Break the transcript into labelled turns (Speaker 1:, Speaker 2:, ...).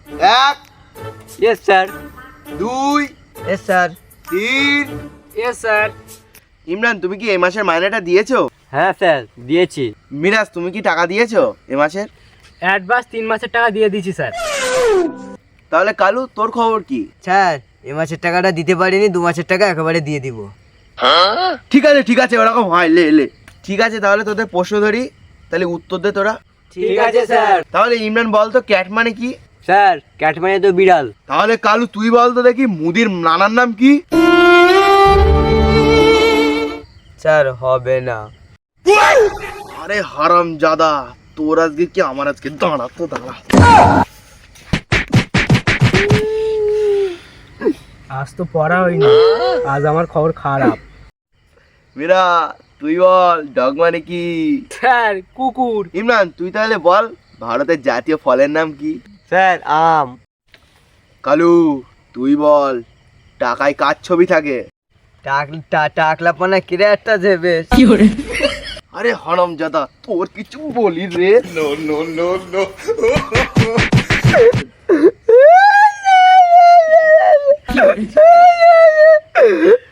Speaker 1: এক।
Speaker 2: Yes sir.
Speaker 1: দুই।
Speaker 2: Yes sir.
Speaker 1: তিন।
Speaker 3: Yes sir.
Speaker 1: ইমরান, তুমি কি এই মাসের মাইনেটা দিয়েছো?
Speaker 2: হ্যাঁ স্যার, দিয়েছি।
Speaker 1: মিরাজ, তুমি কি টাকা দিয়েছো এ মাসের?
Speaker 3: অ্যাডভান্স 3 মাসের টাকা দিয়ে দিয়েছি স্যার।
Speaker 1: তাহলে কালু, তোর খবর কি?
Speaker 2: স্যার, এ মাসের টাকাটা দিতে পারিনি, 2 মাসের টাকা একেবারে দিয়ে দিব।
Speaker 1: ঠিক আছে, ওরকম হয়, লে। ঠিক আছে, তাহলে তোদের প্রশ্ন ধরি, তাহলে উত্তর দে তোরা।
Speaker 2: ঠিক আছে স্যার।
Speaker 1: তাহলে ইমরান বল তো, ক্যাট মানে কি?
Speaker 2: স্যার, ক্যাট মানে তো বিড়াল।
Speaker 1: তাহলে কালু তুই বল তো দেখি, মুদির নানার নাম কি?
Speaker 2: স্যার, হবে না।
Speaker 1: আরে হারামজাদা, তোর আজকে কি আমার আজকে, দাঁড়া।
Speaker 3: আজ তো পড়া হয়নি, আজ আমার খবর খারাপ।
Speaker 1: মীরা, তুই বল, ডগ মানে কি?
Speaker 3: স্যার, কুকুর।
Speaker 1: ইমরান, তুই তাহলে বল, ভারতের জাতীয় ফলের নাম কি?
Speaker 2: স্যার, আম।
Speaker 1: কালু, তুই বল, টাকায় কার ছবি থাকে?
Speaker 2: টাকলা পানা কিরে একটা দেবে।
Speaker 1: আরে হারামজাদা, তোর কিছু বলি রে। নো